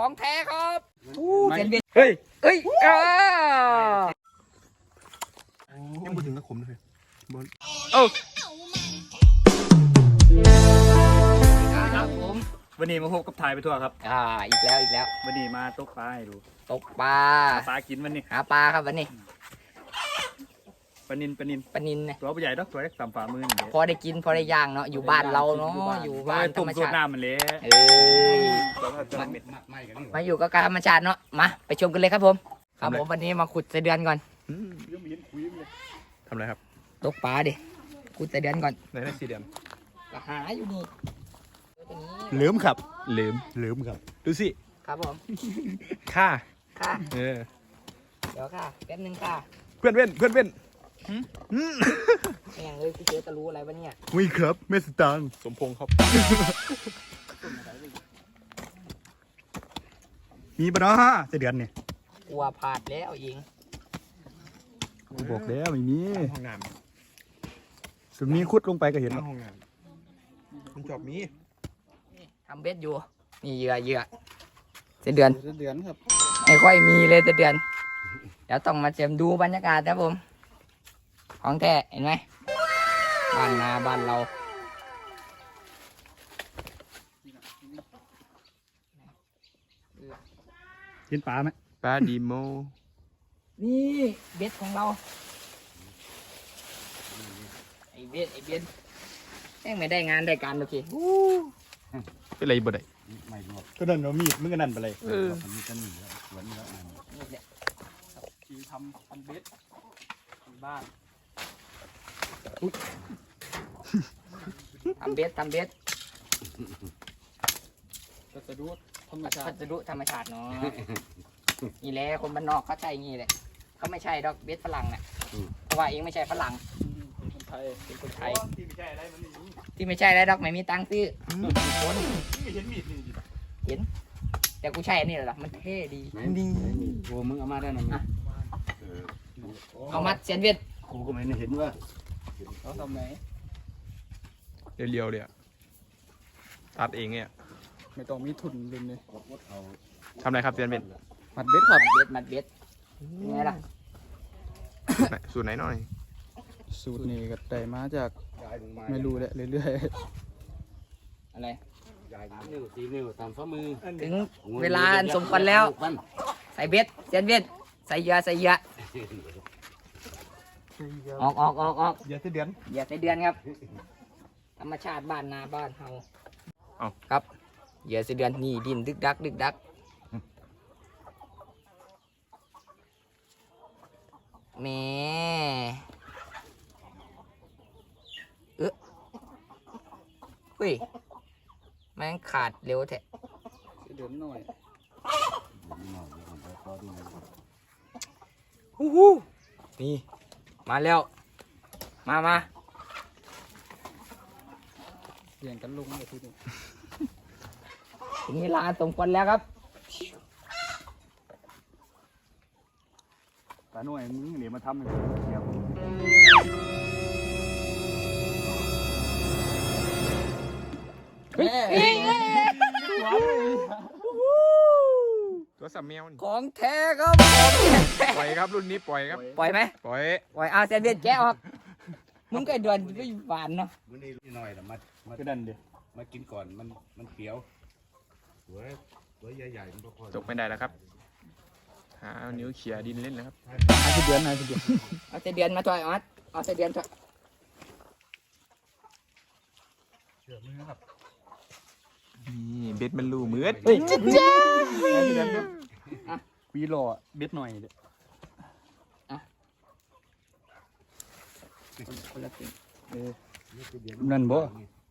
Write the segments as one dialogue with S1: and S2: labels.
S1: ของแท้ครับเซนเบียน
S2: เฮ้ย
S1: เอ้ย
S2: ยังพูดถึงกระขมเลยบอล
S1: ครับผม
S2: วันนี้มาพบกับถ่ายไปทั่วครับ
S1: อีกแล้ว
S2: วันนี้มาตกปลาให้ดู
S1: ตกปลา
S2: ปลากินวันนี้
S1: หาปลาครับวันนี้
S2: ปลานิน
S1: ปลานินเนี่ย
S2: ตัวใหญ่ดอกตัวเล็กสามฝ่ามือนี่
S1: พอได้กินพอได้ย่างเนาะอยู่บ้านเราเนาะอยู่บ้านธร
S2: ตุ่
S1: ร
S2: ม
S1: ม
S2: สูต
S1: ชาร ติ
S2: น้ำมันเละ
S1: เอ้ยมาอยู่กับธรรมชาติเนาะมาไปชมกันเลยครับผมครับผมวันนี้มาขุดไส้เดือนก่อน
S2: ทำอะไรครับ
S1: ตกปลาดิขุดไส้เดือนก่อน
S2: ในได้สี่เดือน
S1: ก็หาอยู่นี่
S2: ลืมครับลืมครับดูสิ
S1: ครับผม
S2: ค่า
S1: ค่ะ
S2: เออ
S1: เดี๋ยวค่ะแป๊บนึงค่ะ
S2: เพื่อนแม่ง
S1: เลยพี่เจ๊จะรู้อะไรวะเนี่ย
S2: วิ่งครับเมสตางสมพงษ์ครับมีปะเนาะสี่เดือนเนี่ย
S1: กลัวพลาดแล้วเอง
S2: บอกแล้วไม่มีห้องน้ำสุดนี้คุดลงไปก็เห็นห้องน้ำคุณจอบมี
S1: ทำเบ็ดอยู่นี่เหยื่อไส้เดือน
S2: เดือนครับ
S1: ไม่ค่อยมีเลยไส้เดือนเดี๋ยวต้องมาเจมดูบรรยากาศนะผมของแท้เห็นไหมบ้านนาบ้านเรา
S2: กินปลาไหมปลาดีโม
S1: นี่เบ็ดของเราไอ้เบ็ดแม่งไม่ได้งานได้การโอเค
S2: เป็นไรบ่ได้ก็นั่นเรามีดมึงก็นั่นไปเลย
S1: นี่แหละ
S2: คือทำเบ็ดบ้าน
S1: ทำเบ็ด
S2: ก็จะดูธรรมชา
S1: พั
S2: ติ
S1: สดุธรรมชาติเนาะนี่แหละคนบ้านนอกเขาใช้งี้แหละเขาไม่ใช่ดอกเบ็ดฝรั่งเนี่ยเพราะว่าเองไม่ใช่ฝรั่ง
S2: คนไทย
S1: เป็นคนไทย
S2: ที่ไม่ใช่อะไรมันนี่
S1: ที่ไม่ใช่แล้วดอกไม่มีตังค์ซื้อคน
S2: เห็นมีดนี่
S1: แต่กูใช่อันนี้เหรอมันเท่ดีดี
S3: โอ้มึงเอามาได้นะมึง
S1: เอามัดเซนเวียด
S3: ครูก็ไม่เห็นว่า
S2: เขาทำไหนเรียวๆเลยตัดเองเนี่ยไม่ต้องมีทุนเลยเนี่ยทำอะไรครับเซียนเบนมัดเบ็ดครับ
S1: มัดเบ็ดยังไงล่ะ
S2: สูตรไหนหน่อย
S4: สูตรนี้ก็ได้มาจากไม่รู้แหละเรื่อย
S1: อะไร
S3: นิ้วสี่นิ้วตามฝ่ามือ
S1: ถึงเวลาอันสมควรแล้ว ใส่เบ็ดเซนเวียดใส่เหยื่อออก
S2: อย่าเดือน
S1: อย่าใส่เดือนครับ ธรรมชาติบ้านนาบ้านเฮา
S2: เอา
S1: ครับเหยื่อใส่เดือนนี่ดินดึกดักแหม่เฮ้ยแม่งขาดเร็วแท้
S4: ๆเดือนหน่อย
S1: นี่มาแล้วมา
S4: เปลี่ยนกันลงเลยทีนี้
S1: ถึงเวลาสมควรแล้วครับ
S2: ตาหน่วยมึงเดี๋ยวมาทำให้เดี๋ยวตัวสัมแมวนี่
S1: ของแท้ครับของแท้
S2: ปล่อยครับรุ่นนี้ปล่อยครับ
S1: ปล่อยไหม
S2: ปล่อย
S1: ปล่อยเอาเซนเวียนแกะออกมึงก็ไอ้เดือนก็อยู่หวานเนาะ
S3: มื้อนี้หน่อยละมา
S2: ก็ดันเดียว
S3: มากินก่อนมันเปรี้ยวตัวใหญ่ๆมันก็พอ
S2: ตกไม่ได้แล้วครับหาเอานิ้วเขี่ยดินเล่นนะครับ
S4: ให้เดือน
S1: เอาเซนเดือนมาถอยออสเอาเซนเดือนถอย
S2: นี่เบ็ดมันรูมืด
S1: เฮ้ย
S4: วีหล่อเบ็ดหน่อยเด้อ
S1: คนละครึ่ง
S4: นั่นบ่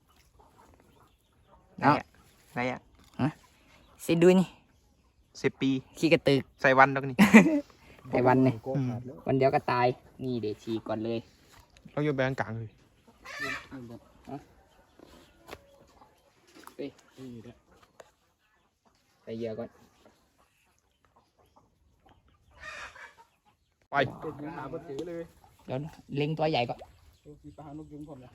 S1: เอา
S2: อะไรอ่ะ
S1: เซนดูนี่
S2: 10 ปี
S1: ขี้กระตึก
S2: ใส่วันแล้วนี่
S1: ไอ้วันนี่
S4: ก็ขาดแล้ว
S1: วันเดียวก็ตายนี่เดี๋ยวฉีกก่อนเลย
S2: เราโยนไปกลางๆเลย
S1: ใส่เหยื่อก่อน
S2: ไป
S4: เป็นยังหาบ่ถือเลย
S1: เดี๋ยวเล็งตัวใหญ่ก่อน
S4: มีปลานกยุงพร้อมแล้ว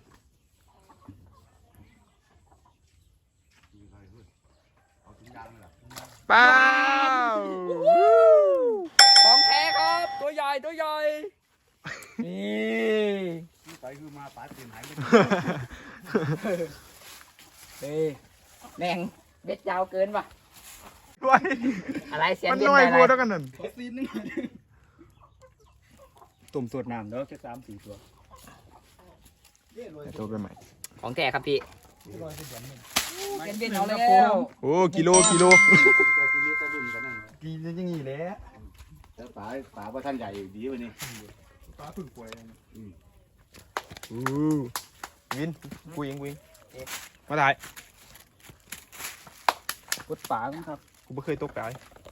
S2: ไปป้าว
S1: ของแท้ครับ ตัวใหญ่ตัวใหญ่ นี่
S3: ไปคือมาปาตีนหายไป
S1: เฮ้ยแม่งเบ็ดยาวเกินว่ะ
S2: ด้วย
S1: อะไรเสียน
S2: มัน
S1: เบ็ด
S2: น้อย
S1: อะไร
S2: บัวเท่ากันนั่น
S4: ตุ่มสวดน้ำแล้วแค่3-4 ตัว
S2: ตัวเป็นใหม่
S1: ของแท้ครับพี่เสียนเบ็ดเอาแล้ว
S2: โอ้กิโล
S3: ก็ทีนี้ตะลุมกันนั่น
S4: กินยังงี้แหละ
S3: แต่ป๋าว่าท่านใหญ่ดีวันนี้
S4: ปลาพึ่งป่วย
S2: วินกูยิงมาถ่าย
S4: กดปลาครับ
S2: กูไม่เคยตกปลา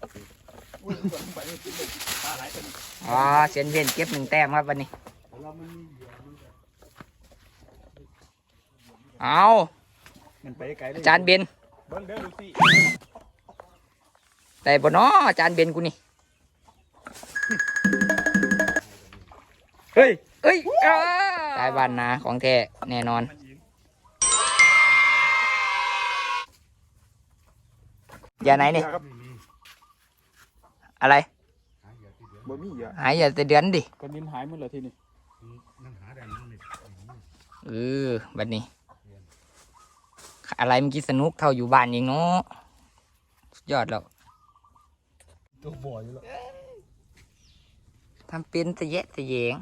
S1: อ๋อเสียนเบ็ดเก็บ1 แต้มครับวันนี้เอา
S4: มันไปไกลเลย
S1: อาจารย์เบน
S2: เบิ้งเด้อดูสิ
S1: แต่บ่น้ออาจารย์เบนกูนี่เฮ้ยได้บ้านนาของแท้แน่นอนอย่าไหนนี่อะไร
S2: บ่มีเหรอ
S1: หายอย่าแต่เดือนดิ
S4: ก้อนดินหายหมดเลยทีนี้
S3: นั่นหาได้นั่นนี่
S1: บัดนี้ อะไรเมื่อกี้สนุกเท่าอยู่บ้านเองเนาะสุดยอดแล้ว
S4: ตัวบ่ออยู่แล้ว
S1: ทำเป็นตะแยะตะแยง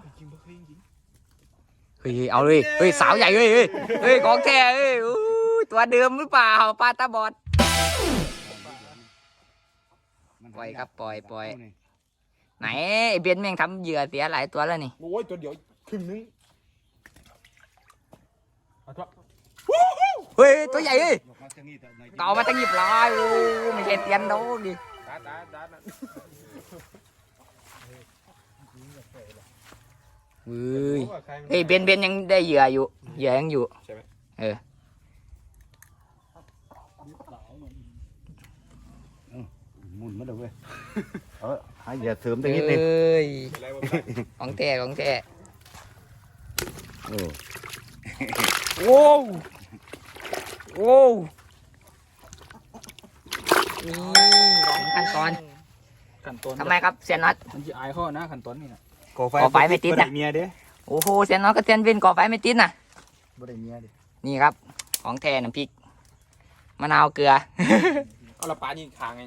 S1: เฮ้ยเอาเลยเฮ้ยสาวใหญ่เฮ้ยเฮ้ยของแท้เฮ้ยอู้ตัวเดิมหรือเปล่าปลาตาบอด ปล่อยครับปล่อย ไหนไอ้เบนแม่งทำเหยื่อเสียหลายตัวแล้วนี่
S2: โอ้ยตัวเดียวครึ่งนึงเอาตัว
S1: เฮ้ยตัวใหญ่เฮ้ย
S3: มาจากนี่แต่ไหน
S1: เก่ามาตั้งหยิบลายโอ้ไม่ใช่เตียนโดนดิ
S2: ตานั่น
S1: เฮ้ยเฮ้ยเบนยังได้เหยื่ออยู่เหยื่อยังอยู่
S2: ใช่ไหม
S3: หมุนมาเลยเว้ยหาอย่าเสริมตร
S1: เฮ้
S3: งนี้นึง
S1: ยของแท้ของแท้
S3: โอ้
S1: โอ้โอ้นี่ของขั้นตอน
S4: ขั้นตอน
S1: ทำไมครับเซียนน็อต
S4: มันจะอายข้อนะขั้นตอนนี้นะ
S1: ก่อไฟไม่ติดนะ
S4: บ่เมียเด้
S1: โอ้โหเซียนน็อตกับเซียนเบนก่อไฟไม่ติดนะ
S4: บ่ได้เมียเด้
S1: นี่ครับของแท้น้ำพริกมะนาวเกลือ
S2: เอาละปลายิงคางไง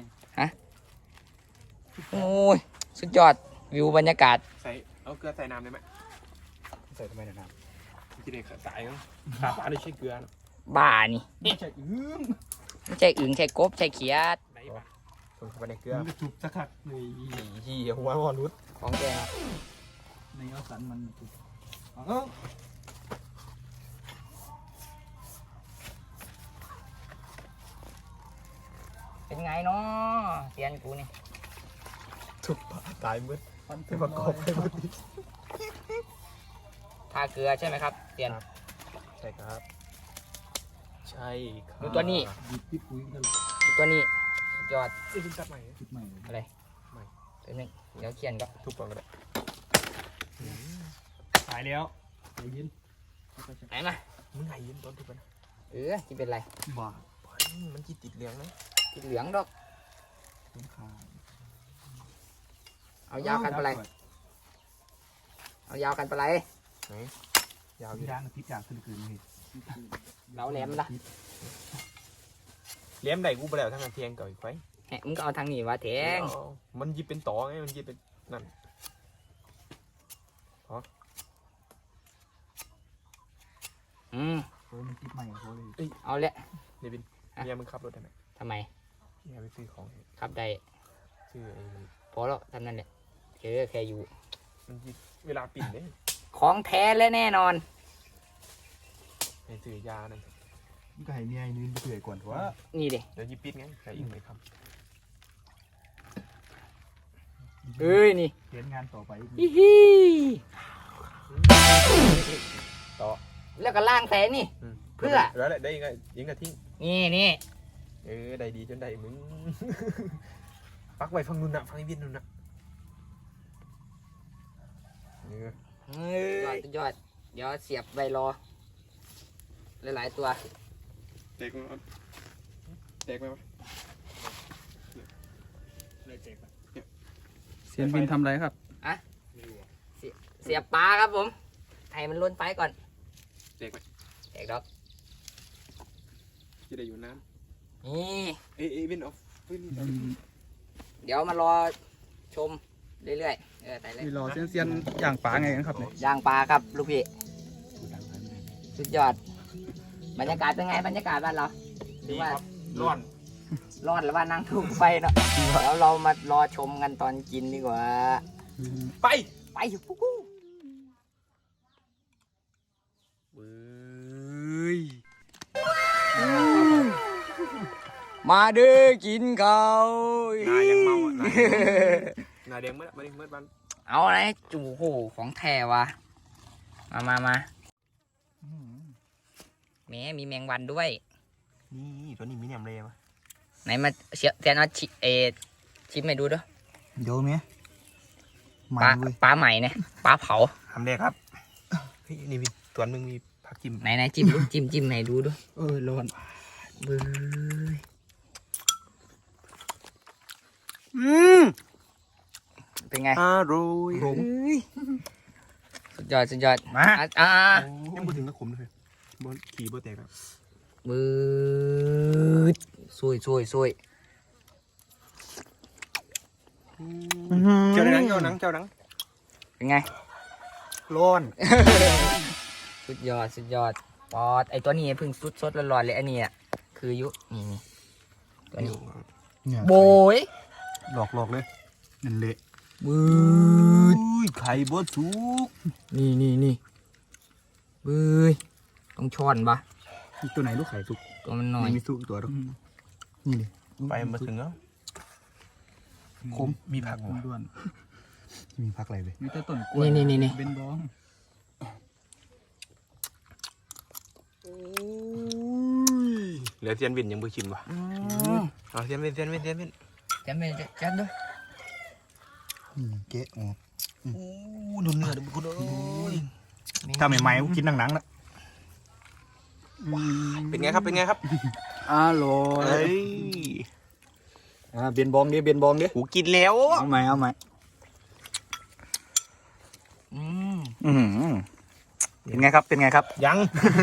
S1: โอ้ยสุดยอดวิวบรรยากาศ
S2: ใส่เอาเกลือใส่น้ำได้ไหม
S4: ใส่ทำไมนะน้
S2: กินเองสายมั้งขาปลาไม่ใช่เกลือ
S1: บ้านี่
S4: ำไม่ใช่อื้ม
S1: ไม่ใช่อึ่งใช่กบใช่เขียด
S2: ไหนปะคนเข้าไปในเกลือ
S4: มันจะจุบสักขัดเลย
S2: ขี้หัวงอนรุด
S1: ของแท้ครับ
S4: ในเอาสันมันจุบเอา
S1: เป็นไงเนาะเซียนกูนี่
S2: ถูกปลาตายมืด
S4: ฟัน
S2: จะประกอบไปหมด
S1: ทาเกลือใช่ไหมครับเซียน
S2: ใช่ครับ ใช่ครับ
S1: ดูตัวนี้
S4: ดิบที่ปุ๋ยกัน
S1: ดูตัวนี้สุดยอด
S2: จะกินตัดใหม่
S4: จุดใหม่
S1: อะไร
S2: ไม่
S1: เป็นนึงเดี๋ยวเขียนก็
S2: ทุบก่อนก็ได้หายแล้ว
S4: ใจเย็น
S1: ไหนมา
S2: มึงหายยินตอนทุบไปนะ
S1: ที่เป็นไร
S4: บ้า
S2: มันจีติดเหลืองนะ
S1: ที่เหลืองดอก
S4: ต้นขา
S1: เอายาวกันไปไรเอายาวกันไปไร
S2: ยาวอยู่
S4: ย่างพิษยางขึ้นคืนนี่
S1: เราแหลมละ
S2: เลี้ยมได้กูไปแล้วทั้งนั้นเทียงเก่าอีกไฟ
S1: แหมมึงก็เอาทางนี้วะแทง
S2: มันยิบเป็นต่อไงมันยิบเป็นนั่น
S4: โอ้มันติดใหม่เขาเลย
S1: เอาละ
S2: เดวินเนี่ยมึงขับรถได้ไหม
S1: ทำไม
S2: เนี่ยไปซื้อของ
S1: ครับได้
S2: ซื้อไอ้
S1: พอแล้วทำนั่นแหละแค่อยู่
S2: มันยิบเวลาปิดเนี่ย
S1: ของแท้และแน่นอน
S2: ไอ้ซื้อยานั่น
S4: มันก็ให้เมียยืนเปื่อยก่อนว่า
S1: นี่ดิ
S2: เดี๋ยวยิบปิดไงใครอีกไหมครับ
S1: เอ้ยนี่
S4: เขียนงานต่อไป
S1: ฮิฮิ
S2: ต่อ
S1: แล้วก็ล่างแสนนี่ เพื่อ
S2: แล้วแหละได้ยังไงยิงกระทิ้ง
S1: นี่
S2: ได้ดีจนได้มึง ปักไว้ฟังนุ่นนะฟังไอ้วินนุ่นนะ
S1: ยอดเดี๋ยวเสียบใบรอหลายๆตัว
S2: เตกไหมวะเตกไหมวะ
S4: เซียนบินทำอะไรครับ
S1: เสียบปลาครับผมให้มันล้นไฟก่อน
S2: เด็กไหม
S1: แตกดอก
S2: จะได้อยู่น้
S1: นี่
S2: ำวินออฟวิน
S1: เดี๋ยวมารอชมเรื่อยๆแต่เลย
S4: นี่รอเซียนย่างปลาไงกันครับเนี่ย
S1: ย่างปลาครับลูกพี่สุดยอดบรรยากาศเป็นไงบรรยากาศบ้านเราหรือว่า
S2: ร้อน
S1: ร้อนหรือว่านั่งทุ่งไฟเนาะเดี๋ยวเรามารอชมกันตอนกินดีกว่า
S2: ไป
S1: ไปปุ๊บมาเด้อกินข้าว
S2: นายังเมาอ่ะนาแดงเมื่อบัน
S1: เอาอะไรจูโหของแท้วะมาแหมมีแมงวันด้วย
S2: นี่ตัวนี้มีแหนมเลยมั้ย
S1: ไหนมาเชียเทียนเอาชิมให้ดูด้วย
S4: โยมเนี่ย
S1: ปลาใหม่เนี่ยปลาเผา
S2: ทำได้ครับนี่มีตัวนึงมีผักจิ้ม
S1: ไหนจิ้มดูจิ้มไหนดูด้วย
S4: ร้อน
S1: เบ้ยเป็นไง
S2: อร่อย
S1: เอ้ยสุดยอด
S4: มา
S2: ยังพูดถึงตะขมเลยบอลขี่บอลแตกครับ
S1: มืดซวย
S2: เจ้าหนัง
S1: เป็นไง
S4: ร้อน
S1: สุดยอดปอดไอตัวนี้เพิ่งสดร้อนๆเลยอันนี้อ่ะคือนี่ตัวนี้โบย
S4: หลอกเลยนั่นเละ
S1: มืด
S2: ไข่บดสุก
S1: นี่เบ้ยต้องช้อนปะ
S4: ตัวไหนลูกไข่สุก
S1: ตัวมันหน่อย
S4: มีสุกตัวหรอนี่ดิ
S2: ไปมาถึงแล้ว
S4: คม
S2: มีผัก
S4: ด้วน
S3: มีพักอะไรเลย
S4: มีแต่ต้นกล้วย
S1: นี่
S4: เป็นบ้อง
S2: เหลือเทียนวินยังไม่ชิมวะเอาเทียนวิน
S1: จำด้วย
S3: เก๊ะอ๋อ
S2: ดูเนื้อดูคุณเอ้ย
S3: ถ้าใหม่ๆกินหนังๆนะ
S2: เป็นไงครับ
S4: อร่อย
S2: เฮ้ย
S4: เบียนบองดิ
S2: กูกินแล้ว
S4: เอาใหม่เป็นไงครับ
S2: ยัง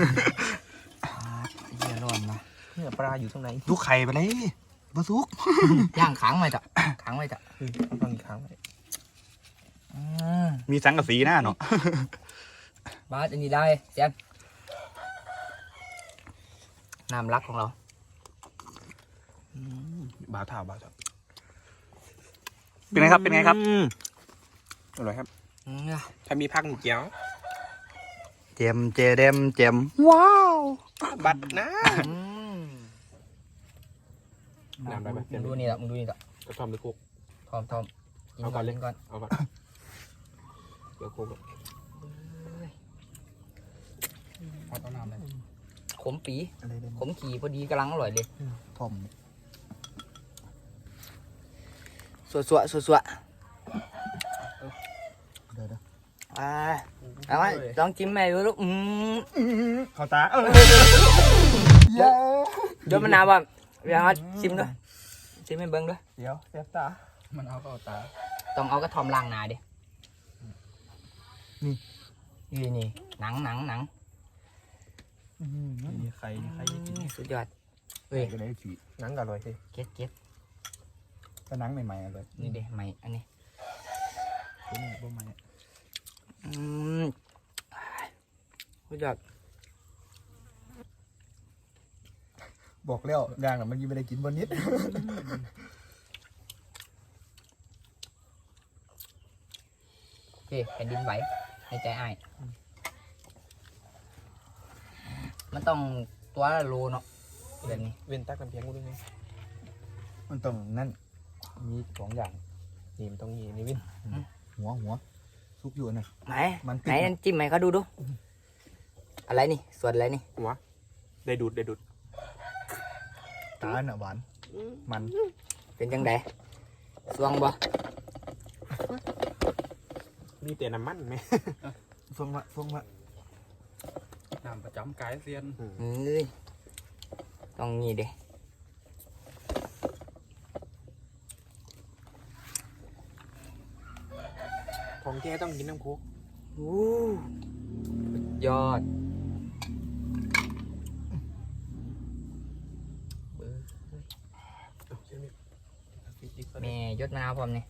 S1: เยี่ยร้อนมา
S2: เนื้อปลาอยู่ตรงไหน
S3: ลูกไข่ไปเลยบะซุก
S1: ย่างค้างไว้จ้ะ
S2: ฟังอีกครั้ง
S3: มีสังกะสีหน้าเนาะ
S1: บาสอันนี้ได้เสียนน้ำรักของเรา
S2: บาถาว
S3: เป็นไงครับ
S2: อร่อยครับ ถ้ามีผักเจียว
S3: เจมว้าว
S2: บัดนะน้ำได้ไหม
S1: มึงดูนี่ละ
S2: กระทอมหรือโคก
S1: ทอมกินก่อนเล่นก่อน
S2: เอาบัดเดี๋ยวโคก
S4: เอาน้ำเลย
S1: ขมปีขมขี่พอดีกำลังอร่อยเลย
S3: ทอม
S1: สัวเอาไว้ลองจิ้มแม่ดูลูก
S3: เข้าตา
S1: เดี๋ยวมันน้ำบ่เดี๋ยวชิมด้วยชิมให้เบิ้งด้วย
S2: เดี๋ยวเสียบตา
S4: มันเอาเข้าตา
S1: ต้องเอากระทอมล้างหนาดินี่หนัง
S2: นี่ไข่กิน
S1: สุดยอดเว้ย
S3: ก็ได้ฉี
S2: หนังอร่อยสิ
S1: เก็ต
S3: ก็นังใหม่ๆเลย
S1: นี่เด้ใหม่อันนี้
S3: ตัวนี้บ่ใหม่
S1: สุดยอด
S3: บอกแล้วย่างน่ะมันยังไม่ได้กินบนนิด
S1: โอเคแผ่นดินไหวในใจอ้ายมันต้องตัวละโลเนาะแบบนี้
S2: เว้นตักน้ำเพียงกูด้วยไง
S3: มันต้องนั่นมีสองอย่าง
S2: นี่มันต้องนี่วิน
S3: หัวซุกอยู่น่ะ
S1: ไหน
S3: มัน
S1: ไหนจิ้มไหมเขาดูอะไรนี่ส่วนอะไรนี่
S2: หัวได้ดูด
S3: ตาน่ะหวานมัน
S1: เป็นจังไดสวงบ่
S2: มีแต่น้ำมันไหม
S3: ฟงวะ
S4: น้ำประจำกายเซียน
S1: เฮ้ยต้องงี้เด้
S2: ของแกต้องกินน้ำโค้ก
S1: ยอดแม่ยศมะนาวพร้อมนี่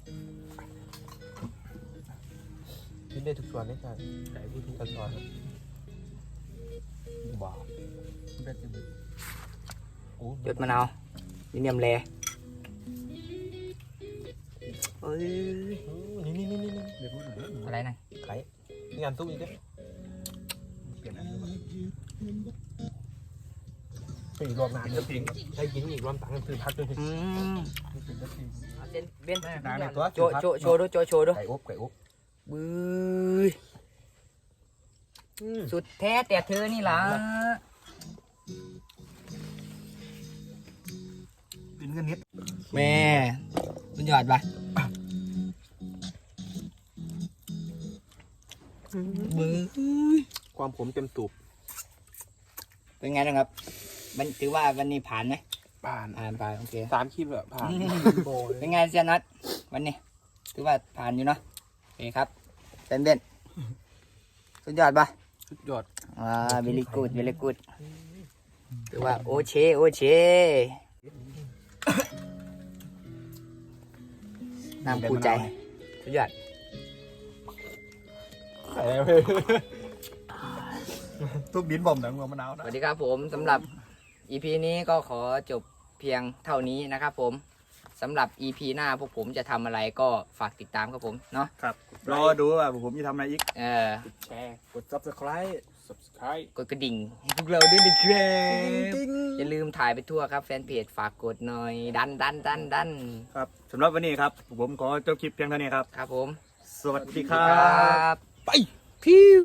S2: กินได้ทุกส่วนเลยครับไก่พูดทุกส่วนว้าวย
S1: ศมะนาวนี่เนียมแลเอ้ย
S2: นี่
S1: อะไรนะ
S2: ไข่นี่งานตู้อีกด้วยไปอีกรอบนานจะพิงใช้กินอีกรอบต่างกันคือพักด้วย
S1: เอาเส้นเบน
S2: นานในตัว
S1: โชว์โชว์ดูโชว์ดู
S2: ไก่อบ
S1: บื้อสุดแท้แต่เธอนี่ล่ะ
S2: กินกันนิด
S1: แม่สุดยอดปะบื้อ
S2: ความผมเต็มตูบ
S1: เป็นไงนะครับมันถือว่าวันนี้ผ่านไหม
S2: ผ่าน
S1: ผ่านโอเค
S2: 3 คลิปแล้วผ่านโบเลย
S1: เป็นไงเซียนนัทวันนี้ถือว่าผ่านอยู่เนาะโอเคครับเป็นเบนสุดยอดปะ
S2: สุดยอด
S1: เวลิกูดถือว่าโอเชน้ำคู่ใจสุดยอด
S2: ทุกดินบ่มหนังหัวมะนาว
S1: ส
S2: นะ
S1: วัสดีครับผมสำหรับ EP นี้ก็ขอจบเพียงเท่านี้นะครับผมสำหรับ EP หน้าพวกผมจะทำอะไรก็ฝากติดตามครับผมเนาะ
S4: ครับ รอดูว่าผมจะทำอะไรอีก
S2: แชร์กด subscribe
S1: กดกระดิ่งให้พวกเราด้วยนะครับอย่าลืมถ่ายไปทั่วครับแฟนเพจฝากกดหน่อยดัน
S4: ครับสำหรับวันนี้ครับ ผมขอจบคลิปเพียงเท่านี้ครับ
S1: ครับผม
S4: สวัสดีครั
S1: ครับ บ
S4: ไปพิว